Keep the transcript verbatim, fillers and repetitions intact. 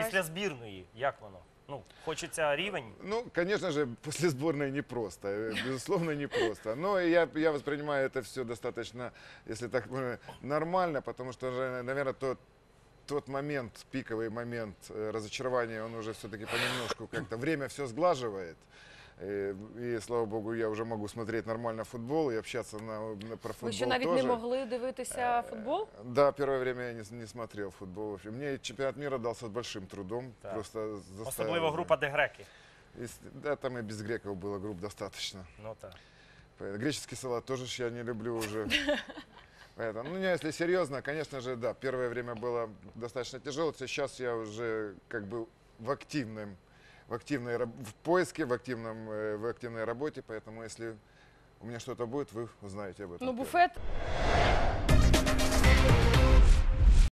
після збірної, як воно? Ну, хочеться рівень. Ну, конечно же, после сборной непросто, э, безусловно, непросто. Но я, я воспринимаю это все достаточно, если так э, нормально, потому что, наверное, тот, тот момент, пиковый момент э, разочарования, он уже все-таки понемножку как-то, время все сглаживает. И, и, слава богу, я уже могу смотреть нормально футбол и общаться на, на, про футбол Ви що, навіть тоже. не могли дивитися футбол? Да, первое время я не, не смотрел футбол вообще. Мне чемпионат мира дался с большим трудом. Так. Просто заставил. Особливо група, де греки. И с- Да, там и без греков было групп достаточно. Ну так. Поэтому греческий салат тоже ж я не люблю уже. Поэтому, ну, не, если серьезно, конечно же, да, первое время было достаточно тяжело. Сейчас я уже как бы в активном, в активной раб- в поиске, в активном, э, в активной работе. Поэтому, если у меня что-то будет, вы узнаете об этом. Ну, первым. буфет